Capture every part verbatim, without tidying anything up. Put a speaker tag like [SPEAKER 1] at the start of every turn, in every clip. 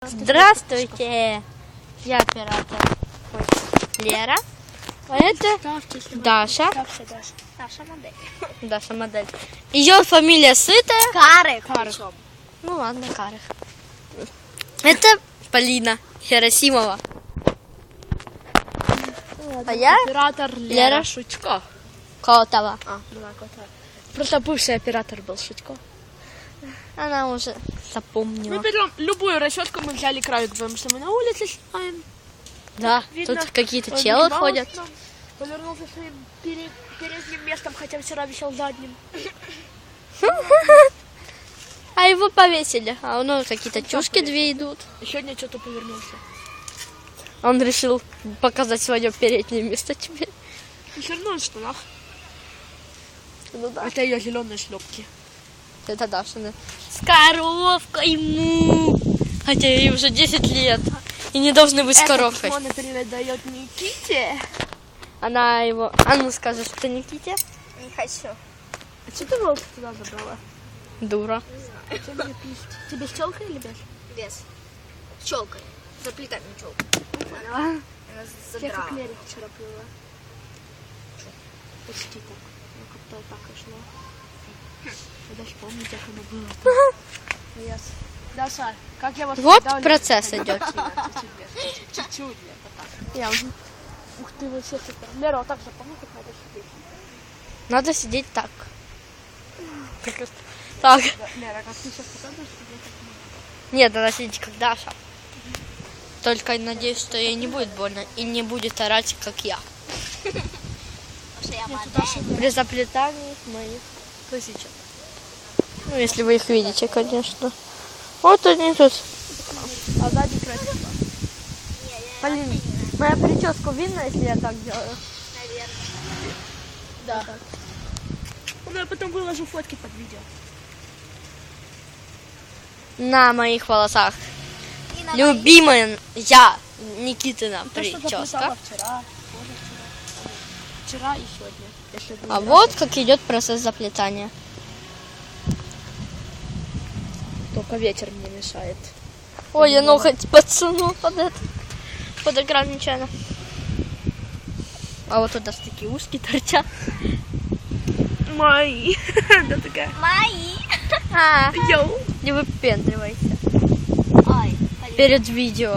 [SPEAKER 1] Здравствуйте, я оператор Лера, а это Даша.
[SPEAKER 2] Даша модель.
[SPEAKER 1] Даша модель. Ее фамилия Сытая.
[SPEAKER 2] Карых.
[SPEAKER 1] Карых. Ну ладно, Карых. Это Полина Херосимова. А я
[SPEAKER 3] оператор Лера,
[SPEAKER 1] Лера
[SPEAKER 3] Шутько.
[SPEAKER 1] Котова.
[SPEAKER 3] А, была Котова. Просто бывший оператор был Шутько.
[SPEAKER 1] Она уже запомнила.
[SPEAKER 3] Мы берем любую расчетку, мы взяли краю, потому что мы на улице снимаем.
[SPEAKER 1] Да,
[SPEAKER 3] Видно,
[SPEAKER 1] тут какие-то
[SPEAKER 3] он
[SPEAKER 1] челы
[SPEAKER 3] въебался
[SPEAKER 1] ходят.
[SPEAKER 3] нам, повернулся своим пере- передним местом, хотя вчера висел задним.
[SPEAKER 1] А его повесили. А у него какие-то чушки две идут.
[SPEAKER 3] И сегодня что-то повернулся.
[SPEAKER 1] Он решил показать свое переднее место тебе.
[SPEAKER 3] И все равно он в штанах.
[SPEAKER 1] Ну да.
[SPEAKER 3] Это ее зеленые шлепки.
[SPEAKER 1] Это Дашина. С коровкой му. Хотя ей уже десять лет. И не должны быть с коровкой.
[SPEAKER 3] Он передает Никите.
[SPEAKER 1] Она его... А ну скажи, что Никите?
[SPEAKER 2] Не хочу.
[SPEAKER 3] А что ты волк туда забрала?
[SPEAKER 1] Дура.
[SPEAKER 3] А что мне пишет? Тебе с челкой или без?
[SPEAKER 2] Без. С челкой. Заплетать не челку.
[SPEAKER 3] Поняла.
[SPEAKER 2] Она
[SPEAKER 3] Я
[SPEAKER 2] задрала.
[SPEAKER 3] как Лерик вчера плыла. Почти так. Ну, как-то так и шло. Я даже помню, как оно было. Yes. Даша, как я вас
[SPEAKER 1] Вот
[SPEAKER 3] всегда
[SPEAKER 1] процесс
[SPEAKER 3] люблю.
[SPEAKER 1] идет.
[SPEAKER 3] Чуть-чуть без, чуть-чуть без, вот так. Я уже. Ух ты, вообще супер. Лера, вот так запомни, как надо сидеть.
[SPEAKER 1] Надо сидеть так. Так.
[SPEAKER 3] Лера, как ты сейчас показываешь, тебе так не
[SPEAKER 1] Нет, надо сидеть как Даша. Только надеюсь, что ей не будет больно и не будет орать, как я.
[SPEAKER 2] Потому что я модель.
[SPEAKER 1] При заплетании моих косичек. Ну, если вы их видите, конечно. Вот они тут.
[SPEAKER 3] А сзади красиво.
[SPEAKER 1] Полин, моя прическу видно, если я так делаю?
[SPEAKER 2] Наверное.
[SPEAKER 3] Да. Ну, я потом выложу фотки под видео.
[SPEAKER 1] На моих волосах.
[SPEAKER 2] И на
[SPEAKER 1] Любимая я, Никитина
[SPEAKER 3] То, что
[SPEAKER 1] прическа.
[SPEAKER 3] заплетала вчера, тоже вчера. Вчера и сегодня. Если
[SPEAKER 1] А вот как идет процесс заплетания.
[SPEAKER 3] только ветер мне мешает.
[SPEAKER 1] Ой, я ноготь подсунул под это, под экран нечаянно. А вот туда такие ушки торчат.
[SPEAKER 3] Мои. Да такая.
[SPEAKER 2] Мои.
[SPEAKER 1] А,
[SPEAKER 3] Йоу.
[SPEAKER 1] не выпендривайся
[SPEAKER 2] Ой, Полин.
[SPEAKER 1] перед видео.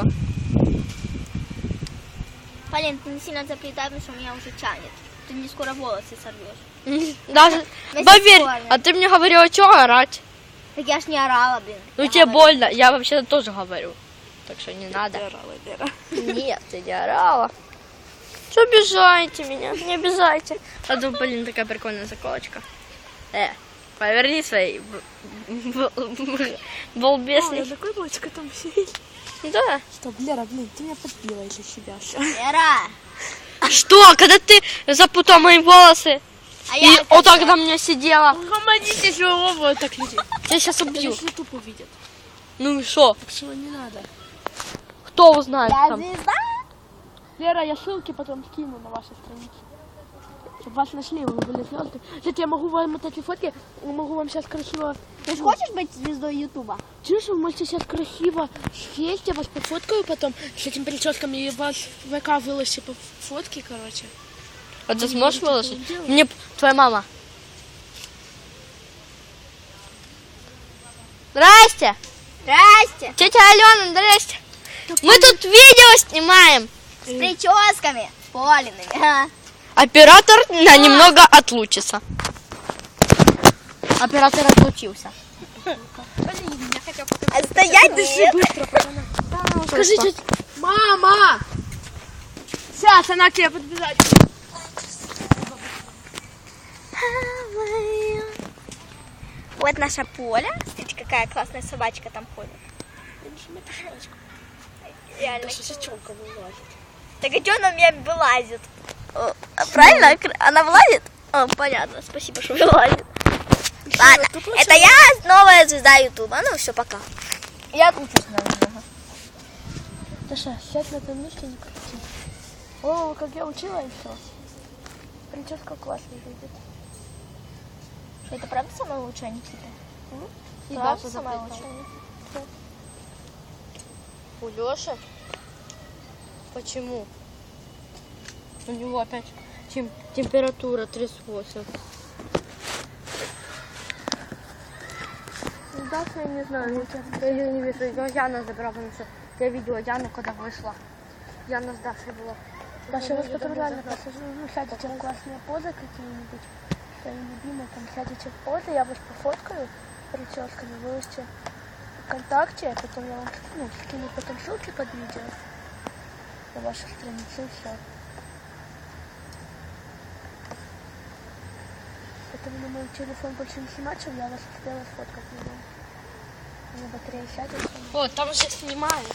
[SPEAKER 2] Полин, ты не сильно заплетай, потому что меня уже тянет. Ты мне скоро волосы сорвешь.
[SPEAKER 1] Даже,
[SPEAKER 2] На
[SPEAKER 1] поверь,
[SPEAKER 2] сексуально.
[SPEAKER 1] а ты мне говорила, что орать?
[SPEAKER 2] Так я ж не орала, блин.
[SPEAKER 1] Ну
[SPEAKER 2] Я
[SPEAKER 1] тебе
[SPEAKER 2] говорю.
[SPEAKER 1] больно, я вообще тоже говорю. Так что не надо.
[SPEAKER 3] Лера, Лера.
[SPEAKER 1] Нет, ты не орала. Что обижаете меня? Не обижайте. А тут, блин, такая прикольная заколочка. Э, поверни свои
[SPEAKER 3] О, я
[SPEAKER 1] балбесни.
[SPEAKER 3] такой мальчик там сидит.
[SPEAKER 1] Да.
[SPEAKER 3] Стоп, Лера, блин, ты меня подбила из-за себя.
[SPEAKER 2] Лера.
[SPEAKER 1] Что, когда ты запутал мои волосы
[SPEAKER 2] А
[SPEAKER 1] и
[SPEAKER 2] я это
[SPEAKER 1] вот так
[SPEAKER 2] всё.
[SPEAKER 1] на меня сидела,
[SPEAKER 3] Угомоните своего вот так людей.
[SPEAKER 1] я сейчас убью.
[SPEAKER 3] Если ютуб увидят.
[SPEAKER 1] Ну и что?
[SPEAKER 3] Так что не надо.
[SPEAKER 1] Кто узнает
[SPEAKER 2] Я
[SPEAKER 1] там?
[SPEAKER 2] звезда.
[SPEAKER 3] Лера, я ссылки потом скину на ваши страницы. Чтобы вас нашли, вы были звезды. Кстати, я могу вам вот эти фотки, могу вам сейчас красиво...
[SPEAKER 2] Ты ж хочешь быть звездой Ютуба?
[SPEAKER 3] Чуешь, вы можете сейчас красиво съесть, я вас пофоткаю потом с этими прическами и вас в ВК выложите по фотке, короче.
[SPEAKER 1] А ты сможешь
[SPEAKER 3] такого
[SPEAKER 1] выложить?
[SPEAKER 3] делать?
[SPEAKER 1] Мне твоя мама. Здрасте.
[SPEAKER 2] Здрасте.
[SPEAKER 1] Тетя Алена, здрасте. Мы тут видео снимаем.
[SPEAKER 2] С прическами. С Полиными. Ха.
[SPEAKER 1] Оператор на немного отлучится. Оператор отлучился.
[SPEAKER 2] А стоять нет.
[SPEAKER 3] Быстро, пацаны. Скажите, мама! Сейчас она к тебе подбежать.
[SPEAKER 2] Вот наша Поля. Смотрите, какая классная собачка там ходит. Реально.
[SPEAKER 3] Даже сечёнка вылазит.
[SPEAKER 2] Так а что она у меня вылазит? О, а правильно? Она вылазит? О, понятно. Спасибо, что вылазит. Ладно, это я новая звезда Ютуба. Ну все, пока. Я учусь немного.
[SPEAKER 3] Даша, сядь на этом месте, не крути. О, как я учила и все. Прическа классная выйдет.
[SPEAKER 2] Что, это правда самая лучшая Никита?
[SPEAKER 3] И
[SPEAKER 2] Правда
[SPEAKER 3] Даша
[SPEAKER 2] самая
[SPEAKER 3] заплетала.
[SPEAKER 2] лучшая?
[SPEAKER 1] У Лёши? Почему? У него опять тем- температура тридцать восемь. Даша, я не знаю, я ее не вижу. Ее Яна забрала, потому что я видела Яну, когда вышла. Яна с Дашей была.
[SPEAKER 3] Даша, я вас потом реально посажу, ну, сядете в классные позы какие-нибудь, свои любимые, там, сядете в позы, я вас пофоткаю прическами, выложите ВКонтакте, а потом я вам, ну, скину потом ссылки под видео на вашу страницу и все. Поэтому на мой телефон больше не снимать, я вас успела сфоткать на нем. У меня батарея сядет.
[SPEAKER 1] Вот, там же снимают.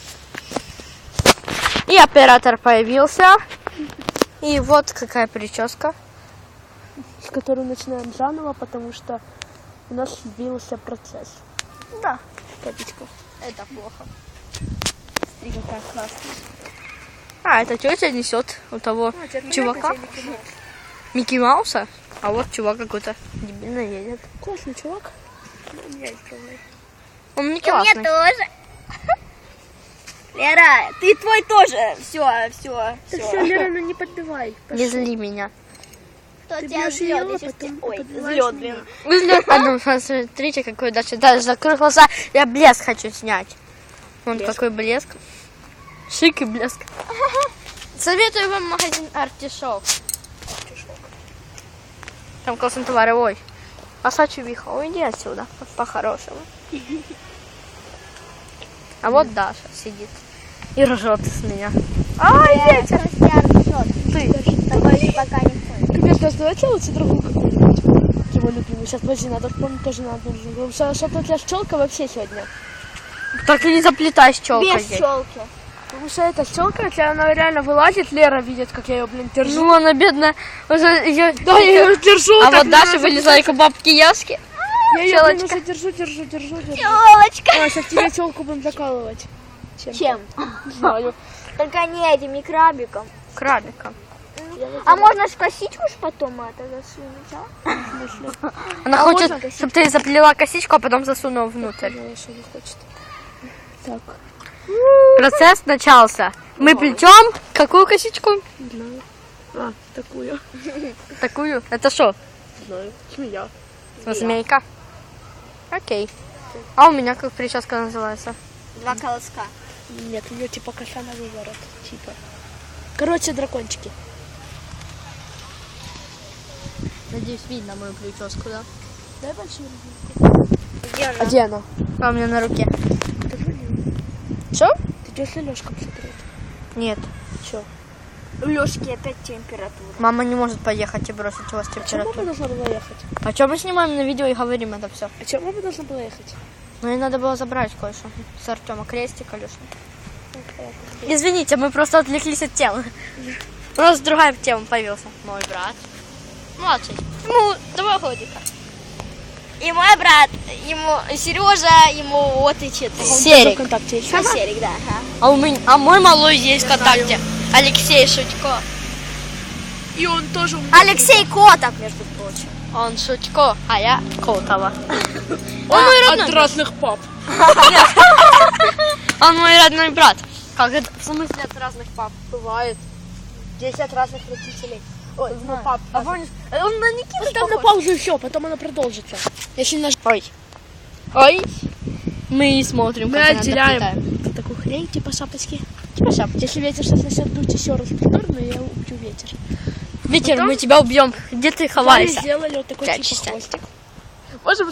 [SPEAKER 1] И оператор появился. И вот какая прическа.
[SPEAKER 3] С которой начинаем заново, потому что у нас сбился процесс.
[SPEAKER 1] Да.
[SPEAKER 3] Капечка.
[SPEAKER 1] Это плохо.
[SPEAKER 3] Смотри, какая классная.
[SPEAKER 1] А, это тетя несет у того чувака. Микки Мауса. А вот чувак какой-то дебильно едет.
[SPEAKER 3] Классный чувак. Ну, у меня есть проблемы.
[SPEAKER 1] Он не
[SPEAKER 2] И у меня
[SPEAKER 1] классный.
[SPEAKER 2] тоже. Лера, ты твой тоже. Все, все,
[SPEAKER 3] Ты все,
[SPEAKER 2] все.
[SPEAKER 3] Лера, ну не подбивай.
[SPEAKER 1] Не зли меня.
[SPEAKER 2] Кто
[SPEAKER 3] Ты
[SPEAKER 2] тебя
[SPEAKER 3] бьешь
[SPEAKER 2] злёт?
[SPEAKER 3] её,
[SPEAKER 2] Я щас
[SPEAKER 3] потом
[SPEAKER 2] тебя- Ой,
[SPEAKER 3] подбиваешь
[SPEAKER 2] злёт,
[SPEAKER 3] меня.
[SPEAKER 2] блин.
[SPEAKER 1] Вы злё- А ну, смотрите, какой дальше. Даже закрой глаза. Я блеск хочу снять. Вон какой блеск. Шик и блеск. Советую вам магазин Артишок. Там классный товар. Ой. А чувиха, уйди отсюда. По-хорошему. А вот Даша сидит. И ржет с меня.
[SPEAKER 2] Ай, ветер. Ты. Такой еще пока не ходит.
[SPEAKER 3] Капец, Даша, давайте лучше другую какую-нибудь. Его любимый. Сейчас, подожди, надо вспомнить тоже надо. Потому что что-то у тебя щелка вообще сегодня.
[SPEAKER 1] Так и не заплетай щелкой.
[SPEAKER 2] Без щелки.
[SPEAKER 3] Потому что эта щелка, если она реально вылазит, Лера видит, как я ее, блин, держу.
[SPEAKER 1] Ну, она бедная. Уже её-
[SPEAKER 3] Да, я ее держу.
[SPEAKER 1] А
[SPEAKER 3] так
[SPEAKER 1] вот Даша
[SPEAKER 3] надо.
[SPEAKER 1] вылезает, как бабки Яски.
[SPEAKER 3] Я ее, блин,
[SPEAKER 1] щелочка.
[SPEAKER 3] уже держу, держу, держу, держу.
[SPEAKER 2] Щелочка.
[SPEAKER 3] А, сейчас тебе челку будем закалывать. Чем?
[SPEAKER 2] Чем?
[SPEAKER 3] Не знаю.
[SPEAKER 2] Только не этим, не крабиком.
[SPEAKER 1] Крабика.
[SPEAKER 2] А можно ж косичку ж потом это засунуть, а?
[SPEAKER 1] Она
[SPEAKER 3] А
[SPEAKER 1] хочет,
[SPEAKER 3] можно
[SPEAKER 1] чтобы ты заплела косичку, а потом засунула внутрь.
[SPEAKER 3] Она еще не хочет. Так,
[SPEAKER 1] Процесс начался. Мы плетем какую косичку?
[SPEAKER 3] не знаю. А, такую.
[SPEAKER 1] Такую. Это что?
[SPEAKER 3] Не знаю. Змея.
[SPEAKER 1] Змейка. Окей. А у меня как прическа называется?
[SPEAKER 2] Два колоска.
[SPEAKER 3] Нет, у нее типа коса на выворот. Типа. Короче, дракончики.
[SPEAKER 1] Надеюсь, видно мою прическу, да?
[SPEAKER 3] Дай большую руку.
[SPEAKER 2] Где она?
[SPEAKER 3] А где она?
[SPEAKER 1] А у меня на руке.
[SPEAKER 3] Покажи мне.
[SPEAKER 1] Что?
[SPEAKER 3] Ты идешь с Лёшком смотреть?
[SPEAKER 1] Нет.
[SPEAKER 3] Че?
[SPEAKER 2] У Лёшки опять температура.
[SPEAKER 1] Мама не может поехать и бросить вас
[SPEAKER 3] А чем
[SPEAKER 1] температуру.
[SPEAKER 3] мама должна была ехать?
[SPEAKER 1] А что мы снимаем на видео и говорим это все?
[SPEAKER 3] А чем мама должна была ехать?
[SPEAKER 1] Ну и надо было забрать кое-что с Артема. Крестик, Алёша. Извините, мы просто отвлеклись от темы. У нас другая тема появился. Мой брат. Младший. Ему два годика.
[SPEAKER 2] И мой брат, ему Сережа, ему вот и четыре.
[SPEAKER 1] Серик.
[SPEAKER 3] ВКонтакте есть.
[SPEAKER 2] А Серик, да. Ага.
[SPEAKER 1] А, у меня, а мой малой есть в ВКонтакте. Алексей Шутько.
[SPEAKER 3] И он тоже у
[SPEAKER 2] Алексей Котов, между прочим.
[SPEAKER 1] Он Шутько, а я Котова. Он мой родной
[SPEAKER 3] От
[SPEAKER 1] брат.
[SPEAKER 3] разных пап.
[SPEAKER 1] Он мой родной брат. Как это? В смысле от разных пап? Бывает.
[SPEAKER 3] десять разных родителей. Ой, ну пап.
[SPEAKER 1] А помнишь, он на Никиту
[SPEAKER 3] Ставь на
[SPEAKER 1] похож.
[SPEAKER 3] паузу и все, потом она продолжится. Если наш...
[SPEAKER 1] Ой. Ой. Мы смотрим,
[SPEAKER 3] Мы
[SPEAKER 1] как она
[SPEAKER 3] отделяем
[SPEAKER 1] доплетает.
[SPEAKER 3] такую хрень, типа шапочки.
[SPEAKER 1] Типа шапки.
[SPEAKER 3] Если ветер сейчас начнет дуть еще раз в сторону, я убью ветер.
[SPEAKER 1] Ветер,
[SPEAKER 3] Потом-
[SPEAKER 1] мы тебя убьем. Где ты
[SPEAKER 3] Мы
[SPEAKER 1] ховаешься?
[SPEAKER 3] сделали вот такой
[SPEAKER 1] Пять
[SPEAKER 3] типа
[SPEAKER 1] часов.
[SPEAKER 3] хвостик. Можем...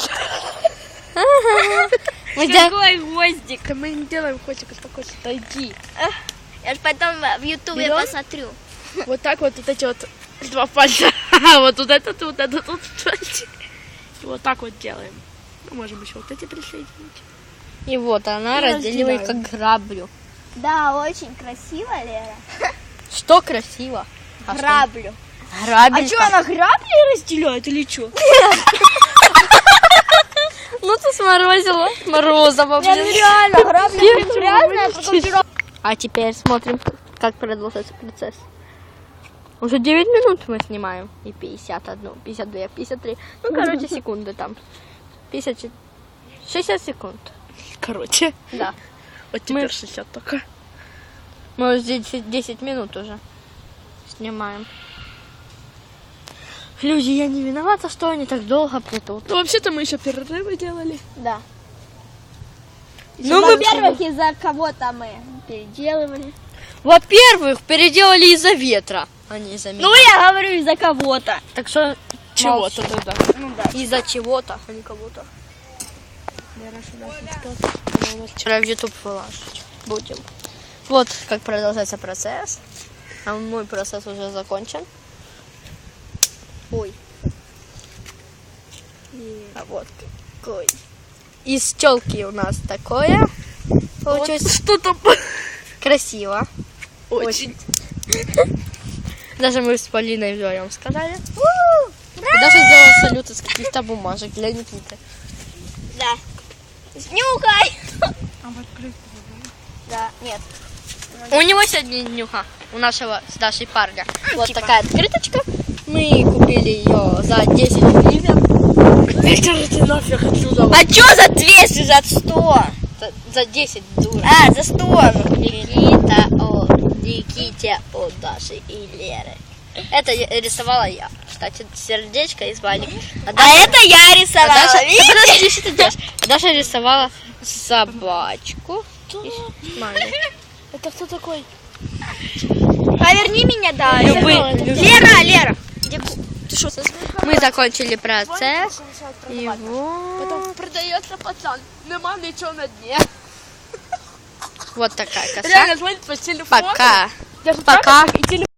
[SPEAKER 1] Мы тебя...
[SPEAKER 2] Какой гвоздик.
[SPEAKER 3] Да мы не делаем хвостик, успокойся. Да иди.
[SPEAKER 2] Я ж потом в Ютубе
[SPEAKER 3] Берём?
[SPEAKER 2] посмотрю.
[SPEAKER 3] Вот так вот, вот эти вот два пальца. Вот вот этот, вот этот, вот этот. И вот так вот делаем. Мы можем еще вот эти присоединить.
[SPEAKER 1] И вот она
[SPEAKER 3] И
[SPEAKER 1] разделивает
[SPEAKER 3] разделяем.
[SPEAKER 1] как граблю.
[SPEAKER 2] Да, очень красиво, Лера.
[SPEAKER 1] Что красиво? А что?
[SPEAKER 2] Граблю.
[SPEAKER 1] Грабелька.
[SPEAKER 2] А что, она грабли разделяет или что?
[SPEAKER 1] Ну ты сморозила. Морозово,
[SPEAKER 2] Я
[SPEAKER 1] блин.
[SPEAKER 2] реально, грабли грязная, потом пирог.
[SPEAKER 1] А теперь смотрим, как продолжается процесс. Уже девять минут мы снимаем. И пятьдесят один, пятьдесят два, пятьдесят три. Ну, короче, секунды там. пятьдесят четыре. шестьдесят секунд.
[SPEAKER 3] Короче.
[SPEAKER 1] Да.
[SPEAKER 3] Вот
[SPEAKER 1] Мы-
[SPEAKER 3] теперь шестьдесят только.
[SPEAKER 1] Мы уже десять, десять минут уже снимаем. Люди, я не виновата, что они так долго плетут.
[SPEAKER 3] Ну, вообще-то мы еще перерывы делали.
[SPEAKER 2] Да.
[SPEAKER 1] Ну, мы,
[SPEAKER 2] Во-первых, из-за кого-то мы переделывали.
[SPEAKER 1] во-первых, переделали из-за ветра, а не из-за меня.
[SPEAKER 2] Ну, я говорю, из-за кого-то.
[SPEAKER 1] Так что
[SPEAKER 3] Чего-то
[SPEAKER 1] молчи.
[SPEAKER 3] тогда.
[SPEAKER 2] Ну да.
[SPEAKER 1] Из-за чего-то, а не кого-то. Вчера в YouTube выложить будем. Вот как продолжается процесс. А мой процесс уже закончен. Ой. А вот какой. Из телки у нас такое. Получилось
[SPEAKER 3] Что-то
[SPEAKER 1] красиво.
[SPEAKER 3] очень.
[SPEAKER 1] Даже мы с Полиной вдвоем сказали. И даже сделала салют из каких-то бумажек для Никиты.
[SPEAKER 2] Да. Нюхай.
[SPEAKER 3] А вот открыть.
[SPEAKER 2] Да, нет.
[SPEAKER 1] У него сегодня днюха, у нашего с Дашей парня. Вот
[SPEAKER 2] типа.
[SPEAKER 1] такая открыточка. Мы купили ее за десять гривен.
[SPEAKER 3] Идите нафиг отсюда.
[SPEAKER 2] А чё за двести, за сто?
[SPEAKER 1] За, за десять, дура.
[SPEAKER 2] А, за сто.
[SPEAKER 1] Никита от Никите от Даши и Леры. Это я- рисовала я. Кстати, сердечко из валик. А
[SPEAKER 2] А
[SPEAKER 1] Даша,
[SPEAKER 2] это я
[SPEAKER 1] а
[SPEAKER 2] рисовала,
[SPEAKER 1] Даша-
[SPEAKER 2] видите?
[SPEAKER 1] Да подожди, что ты делаешь? А Даша рисовала собачку. И маму.
[SPEAKER 3] Это кто такой?
[SPEAKER 2] Поверни меня, да.
[SPEAKER 1] Любые- любые.
[SPEAKER 2] Лера, Лера. Где ку-
[SPEAKER 1] Ты что? Мы закончили процесс. И
[SPEAKER 3] Потом
[SPEAKER 1] вот,
[SPEAKER 3] продается пацан. Нема ничего на дне.
[SPEAKER 1] вот такая коса.
[SPEAKER 3] Реально звонит по телефону.
[SPEAKER 1] Пока.
[SPEAKER 3] Даже
[SPEAKER 1] Пока.
[SPEAKER 3] так, и телефон.